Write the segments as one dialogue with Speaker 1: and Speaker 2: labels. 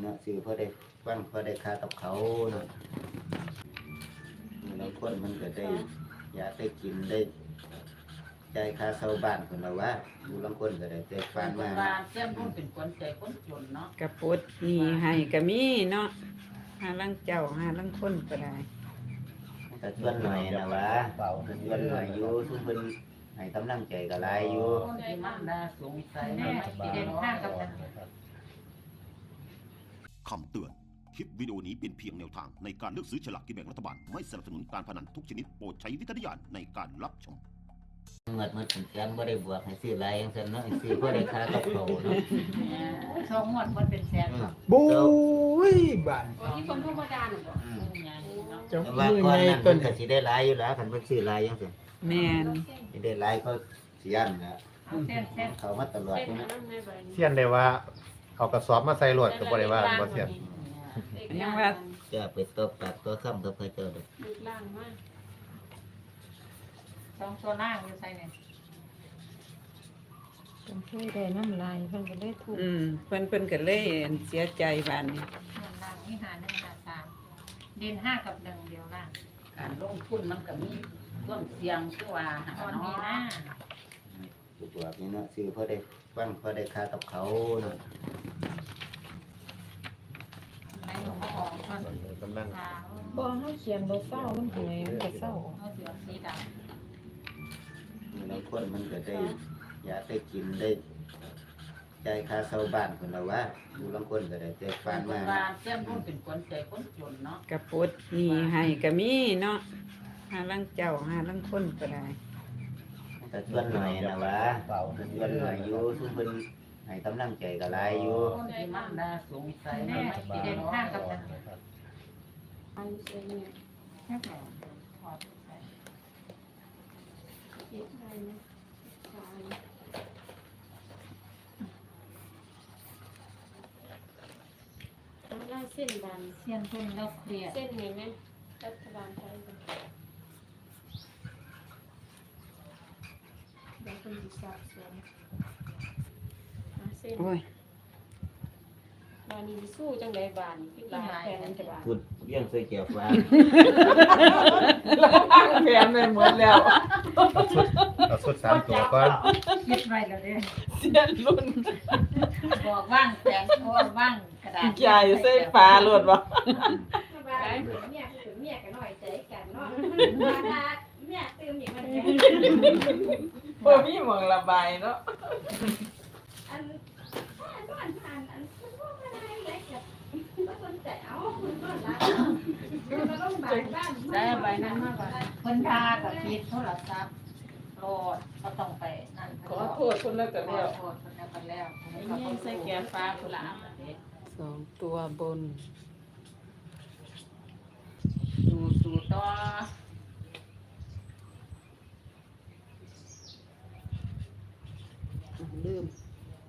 Speaker 1: นาะซื้อพอได้ฟังพอได้ค่ากับเขาเนาะแล้วคนมันก็ได้อยากได้กินได้ใจค่าเช่าบ้านคนละว่าอยู่ลางคนก็ได้แต่ฟานมา
Speaker 2: เสียมรุ่นเป็นคนใจคนจนเนาะ
Speaker 3: กระปุดมีให้ก็มีเนาะหาลังเจ้าหาลังคนก็ได้
Speaker 1: แต่ส่วนหน่อยนะวะส่วนหน่อยอยู่ทุกคนให้กำลังใจก็หลายอยู่
Speaker 2: ที่มันน่าสงสัยนะที่เด่นข้างกับ
Speaker 4: คำเตือนคลิปวิดีโอนี้เป็นเพียงแนวทางในการเลือกซื้อฉลากกินแบ่งรัฐบาลไม่สนับสนุนการพนันทุกชนิดโปรดใช้วิจารณญาณในการรับชม
Speaker 1: เงินมันถึงแสนบ่ได้บวกให้ซื้อหลายจังซั่นเนาะซื้อบ่ได้ค่ากับเขาเนาะ
Speaker 2: สองงวดมันเป็นแสน
Speaker 5: บุ้ยบ้าน
Speaker 2: ที่คนธรรมดาหนูบอก
Speaker 1: แต่ว่าก่อนนั้นเพิ่นก็สิได้หลายอยู่แล้วคันเพิ่นซื้อหลายจังซี่
Speaker 3: แม่น
Speaker 1: สิได้หลายก็สิยันนะเขามาตลอดนะ
Speaker 5: เสียนได้ว่าเอากระสอบมาใส่รถก็บ่ได้ว่าบ่เสียน
Speaker 3: ยังว่า
Speaker 1: จะไปตบปากตัวค่ำกับพระเจ้าเด้อ
Speaker 2: ล่างมากสองตัวล่างอยู่ใส่เนี่ย
Speaker 6: เพิ่นเคยได้น้ำลายเพิ่นก็เลยถูก
Speaker 3: เพิ่นก็เลยเสียใจบานนี้
Speaker 2: ล่างนี่หา1 หา 3เด่น5 กับ 1เดียวล่างการลงทุนมันก็มีความเสี่ยงคือว่าตอนนี้นะ
Speaker 1: ตัวนี้เนาะซื้อพอได้ฟังพอได้ค่ากับเขาเนาะ
Speaker 2: ในหลวงพ่อก
Speaker 5: ำลัง
Speaker 6: บ่เฮาเขียนบ่เศร้ามันเหนื่อยมันก็เศร้า
Speaker 2: เอาเสือสีดำ
Speaker 1: แล้วคนมันก็ได้อยากได้กินได้ใจค่าเช่าบ้านคนละว่าอยู่ลางคนก็ได้แต่ฟานมา
Speaker 2: เสียมรุ่นเป็นคนใจคนจนเนาะ
Speaker 3: กระปุดมีให้ก็มีเนาะหาลังเจ้าหาลังคนก็ได้
Speaker 1: แต่ส่วนหน่อยนะวะส่วนหน่อยอยู่ทุกคนให้กำลังใจก็หลายอยู่
Speaker 2: ที่มันน่าสงสัยนะที่เด่นข้างกับ
Speaker 6: อันเสียเนี่ย
Speaker 2: แค่ถอดใส่
Speaker 6: คิดได้นะได้เส้นบาน
Speaker 2: เส้นเพิ่นแล้วเครียด
Speaker 6: เส้นนี้ไหมรัฐบาลไทยเดี๋ยวคุณจะสอบสวนเส้นบานนี้สู้จังไดบานคิดหลายแพงจะบาน
Speaker 1: พูดเรื่องใส่เกี่ยวฟ้า
Speaker 3: แพงไปหมดแล้ว
Speaker 5: เอาสุด3ตัวก่อน
Speaker 2: คิดไว้แล้วเด้
Speaker 3: เสียนรุ่น
Speaker 2: บอกว่างแสงว่างกระดาษ
Speaker 3: ใหญ่ใส่ฟ้าโลดบ่
Speaker 6: เมียกันหน่อยใจกันเนาะเมียตื่นอย่างมัน
Speaker 3: บ่มีหม่องระบายเนาะ
Speaker 6: อัน
Speaker 2: ได้ใบนั้นมากกว่าคนทากับคิดโทรศัพท์โหลดก็ต้องไปนั่น
Speaker 3: ขอโทษคนแล้วก็แล้ว
Speaker 2: ขอโทษคนแล้วก็แล้วนี่ใส่แก้วฟ้าคนละ
Speaker 3: 2ตัวบน
Speaker 2: สู่ต่อ
Speaker 3: ลืม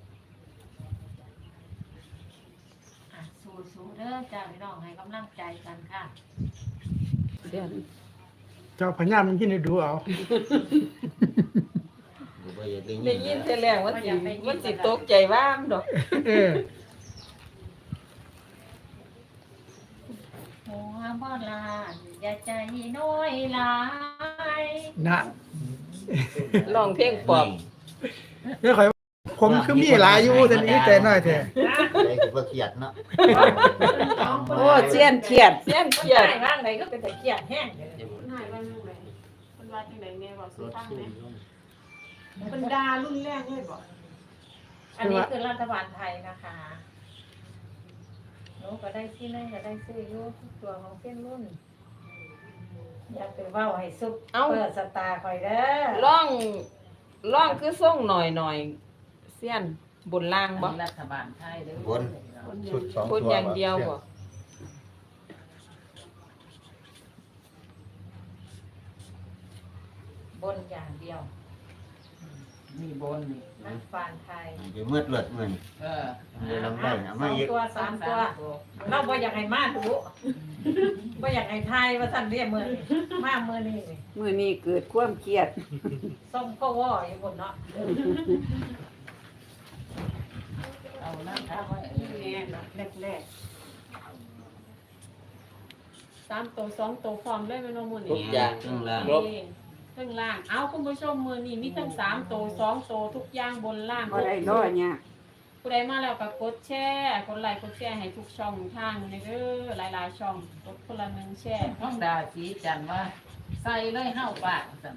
Speaker 2: สู่เด้อจ้าพี่น้องให้กำลังใจกันค่ะ
Speaker 3: เดี๋ยว
Speaker 5: เจ้าพญามันกินให้ดูเอา
Speaker 3: ได้ยินแต่แรงว่าสิตกใจว่ามดอก
Speaker 2: โอ้บ่ลาอย่าใจน้อยหลาย
Speaker 5: นะ
Speaker 3: ร้องเพลงปอบ
Speaker 5: เด้อข่อยผมคือมีหลายอยู่แต่นี้แต่น้อยแท้
Speaker 1: ได้ก็บ่เครียดเนาะ
Speaker 3: โอ้เสียนเครียด
Speaker 2: ว่างไหนก็เป็นแต่เครียดแห้ง
Speaker 6: หายวันนึงเลยมันว่าจังได๋แม่บอกสิฟังแม่บรรดารุ่นแรกเลยบ่
Speaker 2: อันนี้คือรัฐบาลไทยนะคะหนูก็ได้ที่นั่นก็ได้ซื้ออยู่ทุกตัวของเส้นรุ่นอย่าไปเว้าให้ซุปเปิดสตาร์คอยเด้อ
Speaker 3: ร้องคือส่งหน่อยเสียนบนล่างบ่
Speaker 2: รัฐบาลไทยเด้อบ
Speaker 1: น
Speaker 5: ชุด2
Speaker 3: ตัวอย่างเดียวบ่
Speaker 2: บนอย่างเดียวมีบนนี่รัฐบาลไทย
Speaker 1: อยู่มืดเลิศมื้อนี้ลำได้เอามาอีก
Speaker 2: ตัว3ตัวเราบ่อยากให้มาดูบ่อยากให้ทายว่าซั่นเรียกมื้อนี้มามื้อ
Speaker 3: นี้เกิดความเครียด
Speaker 2: ส่งก็ว่าอยู่พุ่นเนาะเอานั่นทำไว้แน่แรก
Speaker 6: 3ตัว2ตัวพร้อมเลยแม่นบ่มื้อ
Speaker 7: ทุ
Speaker 6: นี้
Speaker 7: กอย่าง
Speaker 1: ข้างล่าง
Speaker 7: ครบ
Speaker 6: ข้างล่างเอาคุณผู้ชมมื้อนี้มีทั้ง3ตัว2ตัวทุกอย่างบนล่าง
Speaker 3: บ่ได้ร้อยเนี่ย
Speaker 6: ผู้ใดมาแล้วก็กดแชร์กดไลค์กดแชร์ให้ทุกช่องทางเลยเด้อหลายๆช่องกดคนละ1แชร์
Speaker 2: ท้องดาสีจันทร์ว่าใส่เลยเฮาปากสั่น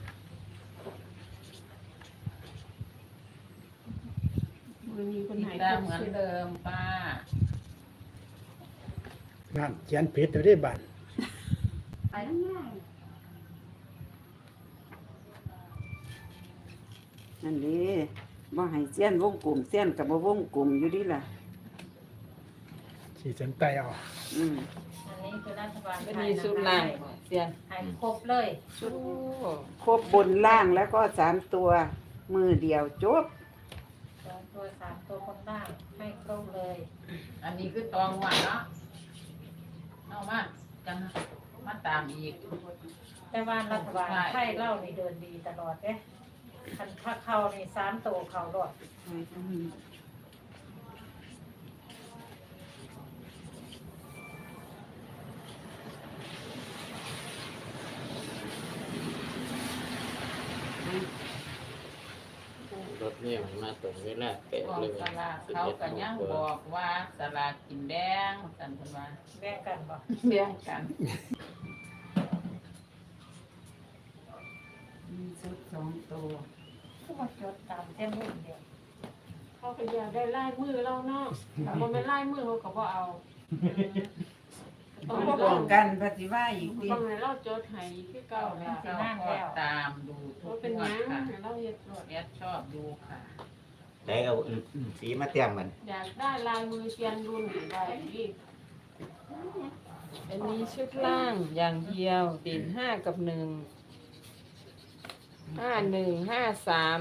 Speaker 6: มื้อนี้เพิ่น
Speaker 2: ติด
Speaker 6: ให้
Speaker 2: ตามเหมือนเดิมป้า
Speaker 5: นั่นเขียนผิดอยู่ที่บ้าน
Speaker 2: ไปง่าย
Speaker 3: นั่นดิบ่ให้เสี้ยนวงกลมเสี้ยนกับบ่วงกลมอยู่ดีล่ะ
Speaker 5: ขีดเส้นใต้เอา
Speaker 3: อืม
Speaker 2: อันนี้คือรัฐบาล
Speaker 3: ก็มีสุดล่างเสี้ยน
Speaker 2: ให้ครบเลย
Speaker 3: ชุดครบบนล่างแล้วก็3ตัวมือเดียวจบ
Speaker 2: 2ตัว3ตัวคนล่างให้ครบเลย อันนี้คือตองหวานเนาะเอามาจังมาตามอีก แต่ว่ารัฐบาลไทยเล่านี่เดินดีตลอดเด้คันถ้าเข้านี่3ตัวเข้ารอด
Speaker 7: รถเนี่ยมันมาตรงเวลาเป๊ะ
Speaker 2: บอก
Speaker 7: เลย
Speaker 2: สลากเขาก็ยังบอกว่าสลากกินแดงสันเพิ่นว่าแบ่งกันบ่แบ่งกันมีชุด2ตัวก็มาจดตามเส้นรุ่นเดียว
Speaker 6: เขาก็อยากได้ลายมือเราเนาะบ่แม่นลายมือเขาก็บ่เอาต้อง
Speaker 3: ป้องกันปฏิว่าอีกที
Speaker 6: ต้องให้เราจดให้คือเก่า
Speaker 2: เอา
Speaker 6: แล้ว
Speaker 2: สินั่งแล้วตามดูทุ
Speaker 6: ว่าก เป็น
Speaker 2: ง
Speaker 6: ห
Speaker 2: ว
Speaker 6: ยั
Speaker 2: ด
Speaker 6: ง
Speaker 2: ค่ะ
Speaker 6: ให้เราเฮ็ดรถ
Speaker 2: แอดชอบดูค่ะ
Speaker 1: ได้เอาสีมาเตรียมมัน
Speaker 6: อยากได้ลายมือเซียนรุ่นได้อีก
Speaker 8: อันนี้ชุดล่างอย่างเดียวเด่น5 กับ 1 5 1 5 3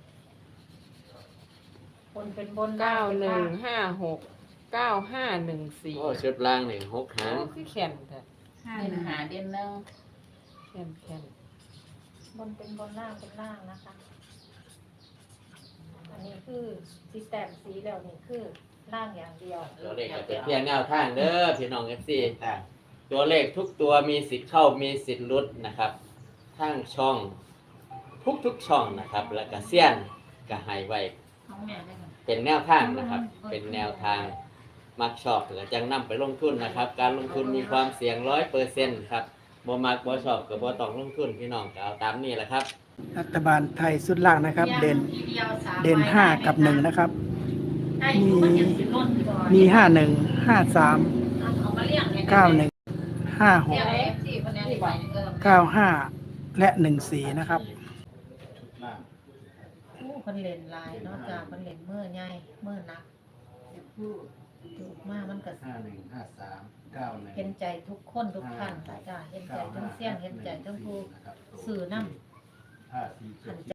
Speaker 2: คนเป็นบน
Speaker 8: 9 1 5 6 9 5 1
Speaker 7: โอ้
Speaker 8: 4
Speaker 7: ชุดล่างนี่6หาง
Speaker 8: คือแข็งแต่
Speaker 2: เด่นหาเด่นหนึง
Speaker 8: แข็ง
Speaker 2: บนเป็นบนล่างเป็นล่างนะคะ อันนี้คือสีแต้มสีแล้วนี่คือล่างอย่างเดียว
Speaker 7: ตัวเลขก็เป็นเพียงแนวทางเด้อพี่น้อง FC
Speaker 1: ต่าง
Speaker 7: ตัวเลขทุกตัวมีสิทธิ์เข้ามีสิทธิ์หลุดนะครับทั้งช่องทุกช่องนะครับ แล้วก็เสี้ยนก็ให้ไว้
Speaker 2: ของแม่ได้ค่ะ
Speaker 7: เป็นแนวทางนะครับ เป็นแนวทางมักชอบแล้วจังนำไปลงทุนนะครับ การลงทุนมีความเสี่ยง 100%ครับบ่มักบ่ชอบก็บ่ต้องลงทุนพี่น้องก็เอาตามนี้แหละครับ
Speaker 5: รัฐบาลไทยสุดล่างนะครับ เด่น5 กับ 1 นะครับ มี51 53 91 56 95 และ 14 นะครับ
Speaker 2: ผู้คนเล่นลายเนาะจ้าคนเล่นเมื่อใหญ่เมื่อนักถูกมากมันก็
Speaker 5: 51 53 91
Speaker 2: เห็นใจทุกคนทุกท่านจ้าเห็นใจทั้งเสี้ยนเห็นใจทั้งผู้สื่อนำ
Speaker 5: 5 4